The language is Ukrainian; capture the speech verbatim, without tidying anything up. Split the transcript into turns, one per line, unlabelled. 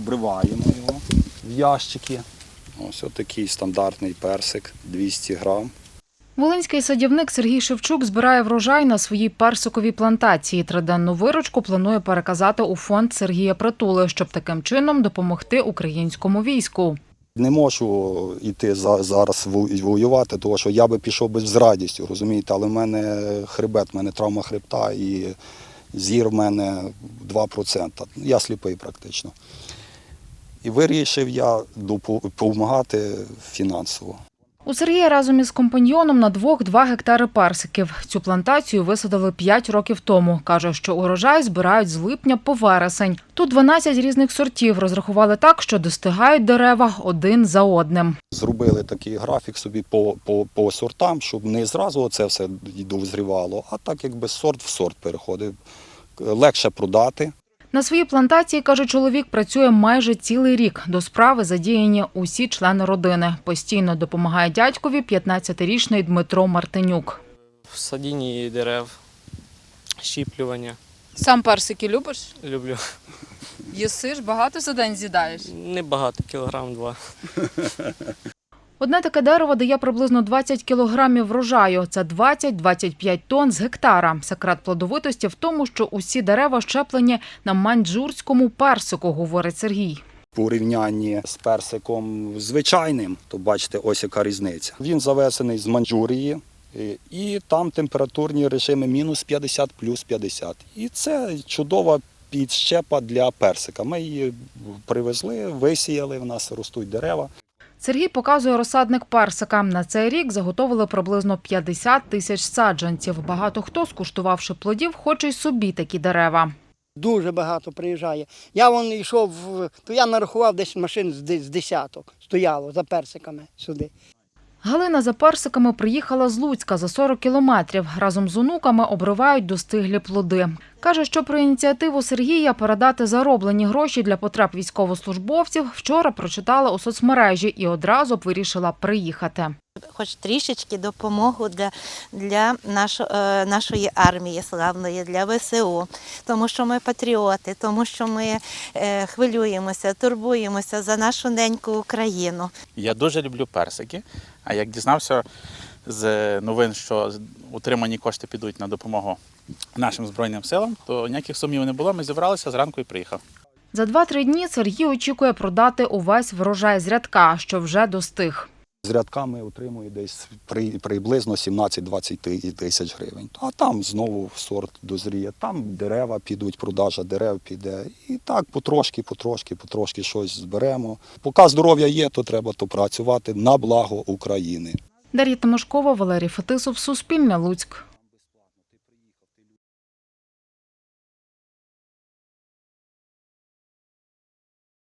обриваємо його в ящики. Ось такий стандартний персик, двісті грам.
Волинський садівник Сергій Шевчук збирає врожай на своїй персиковій плантації. Триденну виручку планує переказати у фонд Сергія Притули, щоб таким чином допомогти українському війську.
Не можу йти зараз воювати, тому що я би пішов би з радістю, розумієте, але в мене хребет, в мене травма хребта і зір в мене два відсотки. Я сліпий практично. І вирішив я допомагати фінансово.
У Сергія разом із компаньйоном на двох два гектари персиків. Цю плантацію висадили п'ять років тому. Каже, що урожай збирають з липня по вересень. Тут дванадцять різних сортів. Розрахували так, що достигають дерева один за одним.
Зробили такий графік собі по, по, по сортам, щоб не зразу це все дозрівало, а так якби сорт в сорт переходив. Легше продати.
На своїй плантації, каже чоловік, працює майже цілий рік. До справи задіяні усі члени родини. Постійно допомагає дядькові п'ятнадцятирічний Дмитро Мартинюк.
В садінні дерев, щіплювання.
Сам персики любиш?
Люблю.
Їсиш? Багато за день з'їдаєш?
Небагато, кілограм-два.
Одне таке дерево дає приблизно двадцять кілограмів врожаю. Це двадцять - двадцять п'ять тонн з гектара. Секрет плодовитості в тому, що усі дерева щеплені на маньчжурському персику, говорить Сергій.
В порівнянні з персиком звичайним, то бачите, ось яка різниця. Він завезений з Маньчжурії, і там температурні режими мінус п'ятдесят, плюс п'ятдесят. І це чудова підщепа для персика. Ми її привезли, висіяли, в нас ростуть дерева.
Сергій показує розсадник персика. На цей рік заготовили приблизно п'ятдесят тисяч саджанців. Багато хто, скуштувавши плодів, хоче й собі такі дерева.
Дуже багато приїжджає. Я вон йшов, то я нарахував десь машин з десяток, стояло за персиками сюди.
Галина за персиками приїхала з Луцька за сорок кілометрів. Разом з онуками обривають достиглі плоди. Каже, що про ініціативу Сергія передати зароблені гроші для потреб військовослужбовців вчора прочитала у соцмережі і одразу б вирішила приїхати.
Хоч трішечки допомогу для, для нашо, нашої армії славної, для ве се у, тому що ми патріоти, тому що ми е, хвилюємося, турбуємося за нашу неньку Україну.
Я дуже люблю персики, а як дізнався з новин, що отримані кошти підуть на допомогу нашим Збройним силам, то ніяких сумнівів не було, ми зібралися зранку і приїхав.
За два-три дні Сергій очікує продати увесь врожай з рядка, що вже достиг.
З рядками отримує десь приблизно сімнадцять - двадцять тисяч гривень. А там знову сорт дозріє, там дерева підуть, продажа дерев піде. І так потрошки, потрошки, потрошки щось зберемо. Поки здоров'я є, то треба то працювати на благо України.
Дар'я Тимошкова, Валерій Фетисов, Суспільне, Луцьк.